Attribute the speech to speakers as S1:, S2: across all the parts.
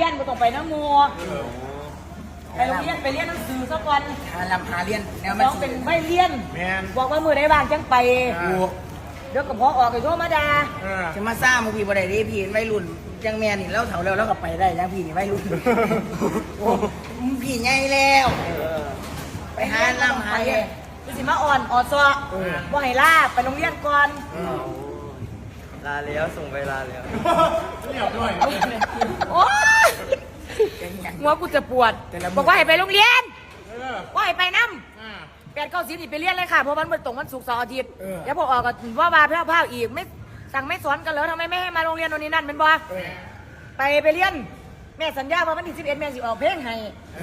S1: นบ่ต้องไปน้ำมัวไปโรงเรียนไปเรียนหนังสือซะก่อน
S2: หาเรียนแนวมัน
S1: น้องเป็นไม่เรียนบอกว่ามือได้บ้างจังไปเดี๋ยวก็พอออกไปโทรมาด่า
S2: จะมาสร้างมึงพี่บ่ได้ดิพี่วัยรุ่นจังแม่นี่แล้วเฒ่าแล้วก็ไปได้ยังพี่นี่วัยรุ่นพี่ใหญ่แล้วไปหาลำหาเรียน
S1: คือสิมาอ่อนซอบ่ให้ลาไปโรงเรียนก่อน
S3: ลาแล้วส่งไปลาแล้ว
S4: เรียบด้วย
S1: โอ้หัวกูจะปวดบอกว่าให้ไปโรงเรียนว่าให้ไปน้ำ8-9 10นี่ไปเรียนเลยค่ะเพราะมันตรงวันศุกร์เสาร์อาทิตย์แล้วพอออกก็ว่าบาเพ่าอีกไม่สั่งไม่สอนกันแล้วทำไมไม่ให้มาโรงเรียนวันนี้นั่นเป็นบ่ไปเรียนแม่สัญญาว่าวันที่11แม่สิออกเพลงให้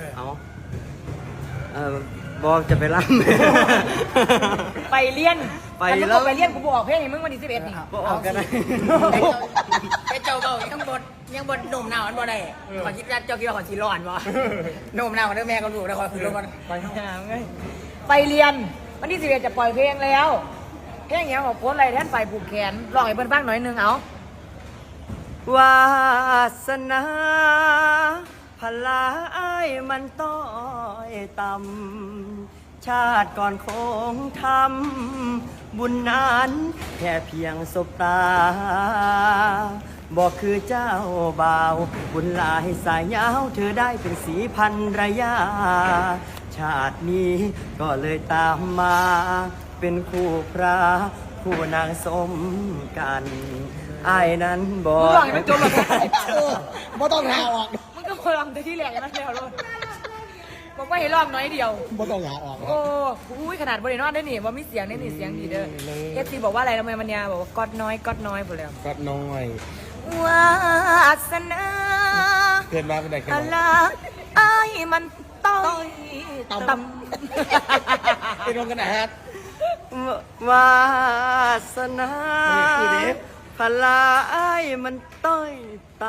S3: บอกจะไปรับ
S1: ไปเรียนแล้วไปเรียนกูบอกเพลงให้มึงวันที่11นี่
S3: บอกกันได้
S2: ไอ้เจ้าเบายังบดหนุ่มหนาวมันบ่ได้ขอคิดว่าเจ้าคิดว่าขอชีร้อนบ่หนุ่มหนาวเด้อแม่ก็รู้แล้วขอคือลงกัน
S1: ไปเรียนวันที่11จะปล่อยเพลงแล้วเพลงอย่างของโพสอะไรแทนไปผูกแขนร้องให้เพิ่นฟังหน่อยนึงเอา
S3: วาสนาพลาอ้ายมันต้อยต่ำชาติก่อนคงทำบุญนั้นแค่เพียงสบตาบอกคือเจ้าบ่าวบุญหลายสายยาวเธอได้เป็นสีพันรยาชาตินี้ก็เลยตามมาเป็นคู่พระคู่นางสมกันอ้ายนั้นบอก
S1: มึงร้องให้มันจบแล้ว
S2: บ่ต้องหาออก
S1: มึงก็ร้องแต่ที่แหลกนั่นแล้วเลยบอกว่าให้ร้องน้อยเดียว
S2: บ่ต้องหาออก
S1: โอ้ยขนาดบริโนอนได้หนิว่ามีเสียงได้หนิเสียงดีเด้อเอฟซีบอกว่าอะไรทำไมมันยาบอกว่าก๊อดน้อยหมดแล้ว
S4: ก๊อดน้อยว
S1: าสนา
S4: เกินมาเป็นไงกัน
S1: อะไรไอ้มันต้อยต่
S4: ำไปลงกันนะฮะ
S3: วาสนาพลาอ้ายมันต้อยต่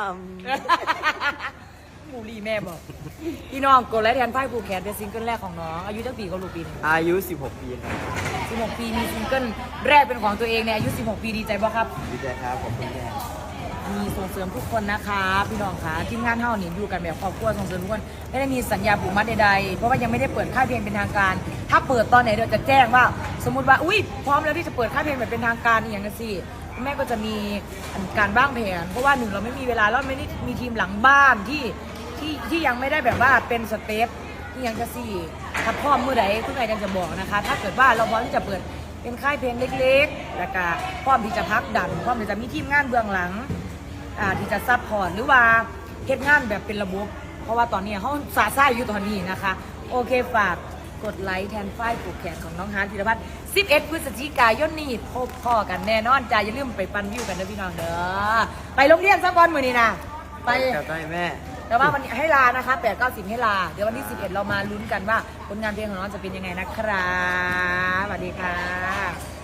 S1: ำบูรีแม่บอกพี่น้องกดไลค์แทนไฟผูกแขนเป็นซิงเกิลแรกของน้องอายุตั้งปีเขาลูกปีนึง
S3: อายุ16 ปีครับ
S1: 16 ปีมีซิงเกิลแรกเป็นของตัวเองในอายุ16 ปีดีใจบ่ครับ
S3: ดีใจครับขอบคุณแม่
S1: มีส่งเสริมทุกคนนะคะพี่น้องคะทีมงานเท่านี้อยู่กันแบบครอบครัวส่งเสริมทุกคนไม่ได้มีสัญญาผูกมัดใดๆเพราะว่ายังไม่ได้เปิดค่ายเพลงเป็นทางการถ้าเปิดตอนไหนเดี๋ยวจะแจ้งว่าสมมติว่าอุ้ยพร้อมแล้วที่จะเปิดค่ายเพลงแบบเป็นทางการอย่างนั้นสิแม่ก็จะมีการบ้างแผนเพราะว่าหนึ่งเราไม่มีเวลาแล้วไม่ได้มีทีมหลังบ้านที่ยังไม่ได้แบบว่าเป็นสเตปที่ยังจะสี่ถ้าพร้อมเมื่อไหร่ทุกใครจะบอกนะคะถ้าเกิดว่าเราพร้อมที่จะเปิดเป็นค่ายเพลงเล็กๆแล้วก็พร้อมที่จะพักดันพร้อมที่จะมีทีมงานเบื้องหลังที่จะซัพพอร์ตหรือว่าเฮ็ดงานแบบเป็นระบบเพราะว่าตอนนี้เขาสาซ่าอยู่ตอนนี้นะคะโอเคฝากกดไลค์แทนฝ้ายผูกแขนของน้องฮาร์ดธีรพัฒน์11 พฤศจิกายนนี้พบพ่อกันแน่นอนจ้าอย่าลืมไปปั่นวิวกันนะพี่น้องเด้อไปโรงเรียนสักวันมื้อนี้นะไป
S3: แม่
S1: แต่ว่าวันนี้ให้ลานะคะ8-9 10ให้ลาเดี๋ยววันที่11เรามาลุ้นกันว่าผลงานเพลงของน้องจะเป็นยังไงนะครับสวัสดีค่ะ